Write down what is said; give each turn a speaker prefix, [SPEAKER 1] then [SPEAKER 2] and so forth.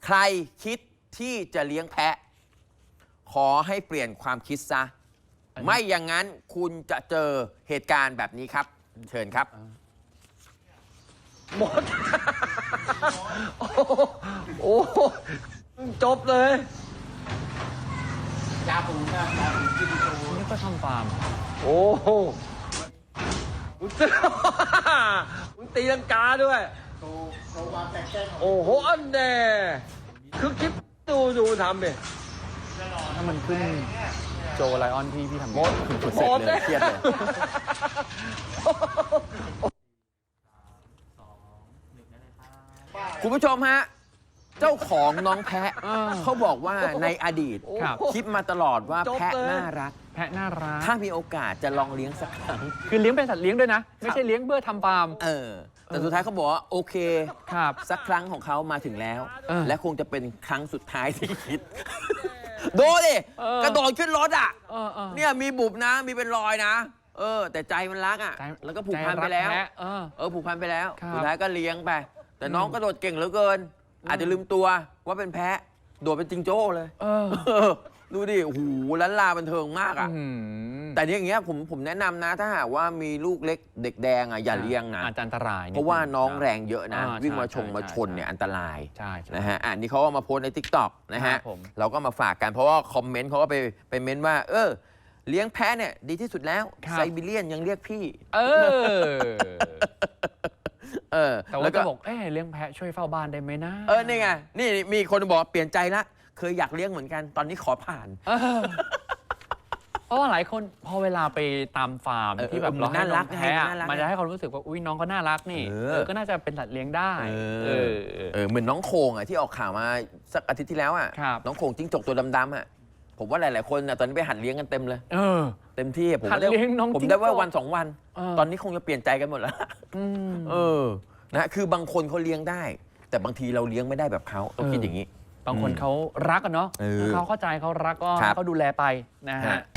[SPEAKER 1] ใครคิดที่จะเลี้ยงแพะ ขอให้เปลี่ยนความคิดซะ ไม่อย่างนั้นคุณจะเจอเหตุการณ์แบบนี้ครับ เชิญครับ
[SPEAKER 2] หมด โอ้จบเลยยาปูนะยาปูกินโตนี่ก็ทำฟาร์มโอ้โหมึงตีลังกาด้วยโอ้โหอันแน่คือคลิปดูทำดิ
[SPEAKER 3] ถ้ามันขึ้นโจไลออนพี่ทำ
[SPEAKER 2] หมด
[SPEAKER 1] เสร็จเลยเครียดเลย คุณผู้ชมฮะ เจ้าของน้องแพะเขาบอกว่าในอดีต คิดมาตลอดว่าแพะน่ารัก
[SPEAKER 3] แพะน่ารัก
[SPEAKER 1] ถ้ามีโอกาสจะลองเลี้ยงสักครั้ง
[SPEAKER 3] คือเลี้ยงเป็นสัตว์เลี้ยงด้วยนะ ไม่ใช่เลี้ยงเพื่อทำฟาร์ม
[SPEAKER 1] แต่สุดท้ายเขาบอกว่าโอเค
[SPEAKER 3] ครับ
[SPEAKER 1] สักครั้งของเขามาถึงแล้ว และคงจะเป็นครั้งสุดท้ายที่คิด ดูดิ กระโดดขึ้นรถอ่ะ เนี่ยมีบุบนะ มีเป็นรอยนะ แต่ใจมันรักอ่ะ แล้วก็ผูกพันไปแล้ว ผูกพันไปแล้ว สุดท้ายก็เลี้ยงไป แต่น้องกระโดดเก่งเหลือเกิน อาจจะลืมตัวว่าเป็นแพะ โดดเป็นจิงโจ้เลย ดูดิ โอ้โหล้านลาบันเทิงมากอ่ะ แต่อย่างเงี้ยผมแนะนำนะ ถ้าหากว่ามีลูกเล็กเด็กแดงอ่ะอย่าเลี้ยงนะ
[SPEAKER 3] อาจจะอันตราย
[SPEAKER 1] เพราะว่าน้องแรงเยอะนะ วิ่งมาชนเนี่ยอันตราย
[SPEAKER 3] ใช่
[SPEAKER 1] นะฮะอันนี้เขาก็มาโพสใน TikTok นะฮะ เราก็มาฝากกันเพราะว่าคอมเมนต์เขาก็ไปเม้นว่า เลี้ยงแพะเนี่ยดีที่สุดแล้ว ไซบีเรียนยังเรียกพี่
[SPEAKER 3] แต่ว่าก็บอกเลี้ยงแพะช่วยเฝ้าบ้านได้ไหมนะ
[SPEAKER 1] นี่ไง นี่มีคนบอกเปลี่ยนใจละ เคยอยากเลี้ยงเหมือนกัน ตอนนี้ขอผ่าน
[SPEAKER 3] เพราะว่าหลายคนพอเวลาไปตามฟาร์มที่แบบเราให้น้องแพะมันจะให้ความรู้สึกว่าอุ้ยน้องก็น่ารักนี่ก็น่าจะเป็นสัตว์เลี้ยงได้
[SPEAKER 1] เหมือนน้องโคงอ่ะที่ออกข่าวมาสักอาทิตย์ที่แล้วอ่ะน้องโคงจิ้งจกตัวดำๆอ่ะผมว่าหลายๆคนตอนนี้ไปหัดเลี้ยงกันเต็มเลยเต็มที่ผมได้ว่าวัน2 วัน ตอนนี้คงจะเปลี่ยนใจกันหมดแล้วนะคือบางคนเขาเลี้ยงได้ แต่บางทีเราเลี้ยงไม่ได้แบบเขาต้องคิดอย่างนี้
[SPEAKER 3] บางคนเขารักกันเนาะเขาเข้าใจเขารักก็เขาดูแลไปนะฮะ